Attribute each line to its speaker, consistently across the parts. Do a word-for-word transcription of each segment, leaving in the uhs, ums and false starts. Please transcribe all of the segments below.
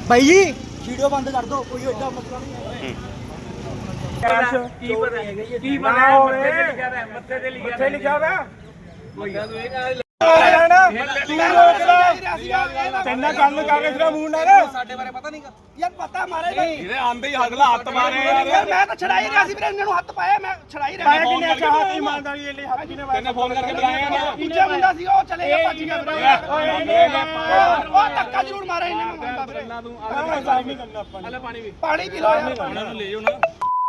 Speaker 1: भाई जी वीडियो बंद कर दो, कोई एडा मसला नहीं है।
Speaker 2: ਕੀ ਪਤਾ ਕੀ ਪਤਾ ਮੱਥੇ ਤੇ ਲਿਖਿਆ ਮੱਥੇ ਲਿਖਿਆ ਵਾ ਕੋਈ ਤੈਨਾਂ ਗੱਲ ਕਰ ਰਿਹਾ ਤੇਰਾ ਮੂੰਹ ਨਾਲ
Speaker 1: ਸਾਡੇ ਬਾਰੇ ਪਤਾ ਨਹੀਂਗਾ ਯਾਰ, ਪਤਾ ਮਾਰੇ
Speaker 2: ਇਹਦੇ ਆਂਦੇ ਹੀ ਅਗਲਾ ਹੱਥ ਮਾਰੇ ਯਾਰ।
Speaker 1: ਮੈਂ ਤਾਂ ਛੜਾ ਹੀ ਰਿਹਾ ਸੀ ਵੀਰੇ, ਇਹਨਾਂ ਨੂੰ ਹੱਥ ਪਾਇਆ, ਮੈਂ ਛੜਾ ਹੀ ਰਿਹਾ।
Speaker 2: ਪਾਇਆ ਕਿੰਨੇ ਅੱਛਾ ਹੱਥ ਇਮਾਨਦਾਰੀ ਲਈ ਹੱਥ ਕਿਨੇ ਤੈਨੇ ਫੋਨ ਕਰਕੇ ਬੁਲਾਇਆ ਨਾ
Speaker 1: ਦੂਜਾ ਮੁੰਡਾ ਸੀ ਉਹ ਚਲੇ ਗਿਆ, ਭੱਜ ਗਿਆ ਵੀਰੇ। ਉਹ ਧੱਕਾ ਜ਼ਰੂਰ ਮਾਰਿਆ ਇਹਨੇ ਮੁੰਡਾ ਵੀਰੇ।
Speaker 2: ਤੂੰ ਆਹ ਕੰਮ ਨਹੀਂ ਕਰਨਾ ਆਪਾਂ ਨੇ। ਪਾਣੀ ਵੀ
Speaker 1: ਪਾਣੀ ਪੀ ਲਓ ਯਾਰ।
Speaker 2: ਉਹਨਾਂ ਨੂੰ ਲੈ ਜਾਓ ਨਾ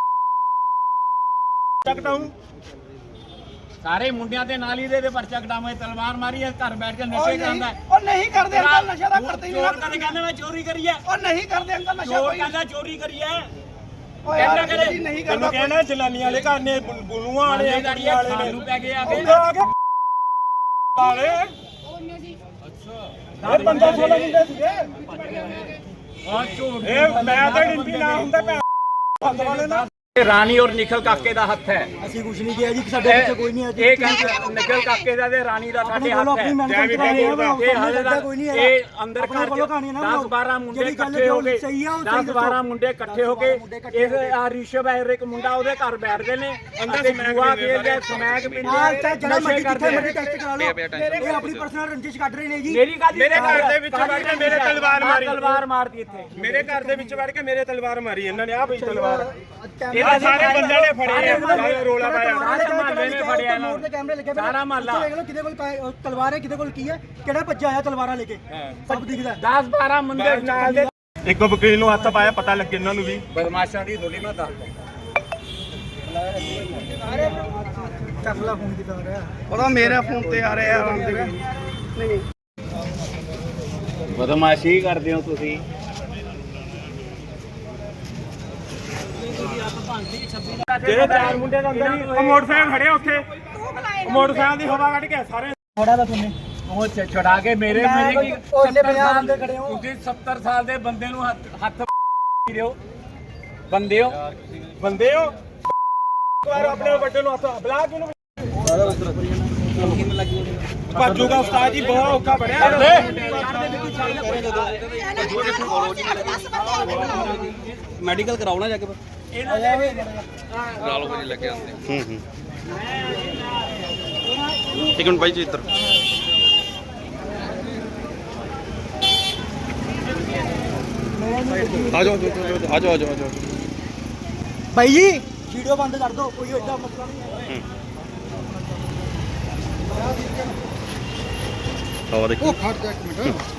Speaker 2: ਚੱਕਟਾਉਂ ਸਾਰੇ ਮੁੰਡਿਆਂ ਦੇ ਨਾਲ ਹੀ ਦੇ ਪਰਚਾ ਕਟਾਵੇਂ ਤਲਵਾਰ ਮਾਰੀ ਹੈ, ਘਰ ਬੈਠ ਕੇ ਨਸ਼ੇ ਕਰਦਾ।
Speaker 1: ਉਹ ਨਹੀਂ ਕਰਦੇ ਅੰਕਲ, ਨਸ਼ਾ ਤਾਂ ਕਰਦੇ ਹੀ ਨਹੀਂ।
Speaker 2: ਚੋਰ ਕਦੇ ਕਹਿੰਦੇ ਮੈਂ ਚੋਰੀ ਕਰੀ ਹੈ,
Speaker 1: ਉਹ ਨਹੀਂ ਕਰਦੇ ਅੰਕਲ ਨਸ਼ਾ
Speaker 2: ਚੋਰ
Speaker 1: ਕੋਈ।
Speaker 2: ਕਹਿੰਦਾ ਚੋਰੀ ਕਰੀ ਹੈ।
Speaker 1: ਓਏ ਯਾਰ ਜੀ ਨਹੀਂ ਕਰਦਾ।
Speaker 2: ਕਹਿੰਦਾ ਜਨਾਨੀ ਵਾਲੇ ਘਰ ਨੇ ਬੁਲੂਆਂ ਵਾਲੇ ਆ, ਕੁੜੀਆਂ ਵਾਲੇ ਨੇ ਨੂੰ ਪੈ ਗਏ ਆ ਕੇ ਵਾਲੇ ਅੱਛਾ ਇਹ ਬੰਦਾ ਸੋਲਾ ਮੁੰਡੇ ਸੀਗੇ ਆ ਝੂਠ। ਇਹ ਮੈਂ ਤਾਂ ਡਿੰਪੀ ਨਾ ਹੁੰਦਾ ਭੈਣ ਬੰਦ ਵਾਲੇ ਨਾ। ਰਾਣੀ ਔਰ ਨਿਖਲ ਕਾਕੇ ਦਾ ਹੱਥ ਹੈ।
Speaker 1: ਅਸੀਂ ਕੁਝ ਨਹੀਂ ਕਿਹਾ ਜੀ, ਸਾਡੇ ਵਿੱਚ ਕੋਈ ਨਹੀਂ ਹੈ ਜੀ।
Speaker 2: ਇਹ ਨਿਖਲ ਕਾਕੇ ਦਾ ਤੇ ਰਾਣੀ ਦਾ ਸਾਡੇ ਹੱਥ ਹੈ। ਇਹ ਹਾਲੇ ਦਾ ਕੋਈ ਨਹੀਂ ਹੈ। ਇਹ ਅੰਦਰ ਘਰ ਦਸ ਬਾਰਾਂ ਮੁੰਡੇ ਇਕੱਠੇ ਹੋ ਗਏ, ਦਸ ਬਾਰਾਂ ਮੁੰਡੇ ਇਕੱਠੇ ਹੋ ਕੇ ਇਸ ਆ ਰਿਸ਼ਵ ਹੈ ਇੱਕ ਮੁੰਡਾ ਉਹਦੇ ਘਰ ਬੈਠਦੇ ਨੇ ਅੰਦਰ ਜੂਆ ਖੇਡਦੇ, ਸਮੈਕ ਪੀਂਦੇ,
Speaker 1: ਜਿਹੜਾ ਮਰਜ਼ੀ ਕਿੱਥੇ ਮਰਜ਼ੀ ਟੈਸਟ ਕਰਾ ਲਓ। ਇਹ ਆਪਣੀ ਪਰਸਨਲ ਰੰਜਿਸ਼ ਕੱਢ ਰਹੇ ਨੇ ਜੀ।
Speaker 2: ਮੇਰੀ ਗੱਲ ਮੇਰੇ ਘਰ ਦੇ ਵਿੱਚ ਵੜ ਕੇ ਮੇਰੇ ਤਲਵਾਰ ਮਾਰੀ, ਤਲਵਾਰ ਮਾਰਦੀ ਇੱਥੇ ਮੇਰੇ ਘਰ ਦੇ ਵਿੱਚ ਵੜ ਕੇ ਮੇਰੇ ਤਲਵਾਰ ਮਾਰੀ ਇਹਨਾਂ ਨੇ। ਆ ਬਈ ਤਲਵਾਰ ਇਹ ਸਾਰੇ ਬੰਦਿਆਂ ਨੇ ਫੜਿਆ, ਰੋਲਾ ਪਾਇਆ, ਸਾਰੇ ਮਹੱਲੇ ਨੇ ਫੜਿਆ ਇਹਨਾਂ ਨੂੰ।
Speaker 1: ਕੈਮਰੇ ਲੱਗੇ
Speaker 2: ਸਾਰਾ ਮਹੱਲਾ
Speaker 1: ਦੇਖ ਲਓ ਕਿਹਦੇ ਕੋਲ ਤਲਵਾਰ ਹੈ, ਕਿਹਦੇ ਕੋਲ ਕੀ ਹੈ, ਕਿਹੜਾ ਭੱਜਾ ਆਇਆ ਤਲਵਾਰਾਂ ਲੈ ਕੇ, ਸਭ ਦਿਖਦਾ।
Speaker 2: ਦਸ ਬਾਰਾਂ ਮੁੰਡੇ ਨਾਲ ਦੇ ਇੱਕ ਵਕੀਲ ਨੂੰ ਹੱਥ ਪਾਇਆ, ਪਤਾ ਲੱਗੇ ਇਹਨਾਂ ਨੂੰ ਵੀ ਬਦਮਾਸ਼ਾਂ ਦੀ ਦੋਲੀ ਮੈਂ ਦੱਸ
Speaker 1: ਕਰਲਾ ਫੋਨ ਦਿਖਾ ਰਿਹਾ।
Speaker 3: ਪਤਾ ਮੇਰੇ ਫੋਨ ਤੇ ਆ ਰਿਹਾ ਨਹੀਂ
Speaker 2: ਬਦਮਾਸ਼ੀ ਕਰਦੇ ਹੋ ਤੁਸੀਂ। ਜਿਹੜੇ ਚਾਰ ਮੁੰਡੇ ਦੇ ਅੰਦਰ ਹੀ ਉਹ ਮੋਟਰਸਾਈਕਲ ਖੜੇ ਉੱਥੇ, ਉਹ ਮੋਟਰਸਾਈਕਲ ਦੀ ਹਵਾ ਕੱਢ ਕੇ ਸਾਰੇ
Speaker 1: ਥੋੜਾ ਦਾ ਤੁਮਨੇ
Speaker 2: ਉਹ ਛੁਡਾ ਕੇ ਮੇਰੇ ਮੇਰੇ ਕੀ
Speaker 1: ਉਹ ਇੰਨੇ ਪੰਜਾਹ ਬੰਦੇ ਖੜੇ ਹੋ।
Speaker 2: ਤੁਸੀਂ ਸੱਤਰ ਸਾਲ ਦੇ ਬੰਦੇ ਨੂੰ ਹੱਥ ਦਿਓ। ਬੰਦੇ ਹੋ ਬੰਦੇ ਹੋ ਵਾਰ ਆਪਣੇ ਵੱਡੇ ਨੂੰ ਹੱਥ ਬਲਾ ਕੇ ਨੂੰ ਭਾਜੂਗਾ ਉਸਤਾਦ ਜੀ, ਬਹੁਤ ਔਖਾ ਬਣਿਆ।
Speaker 3: ਮੈਡੀਕਲ ਕਰਾਉਣਾ ਜਾ ਕੇ
Speaker 2: ਇਹਨਾਂ ਦੇ ਵੀ
Speaker 3: ਕਰਾ ਲਓ ਜੀ ਲੱਗੇ ਆਂਦੇ। ਹੂੰ ਹੂੰ ਇੱਕ ਮਿੰਟ ਬਾਈ ਜੀ ਇੱਧਰ ਆ ਜਾਓ ਆ ਜਾਓ ਆ ਜਾਓ ਆ ਜਾਓ
Speaker 1: भाई जी वीडियो बंद कर दो, कोई एडा मसला नहीं है।
Speaker 3: हवा देखो।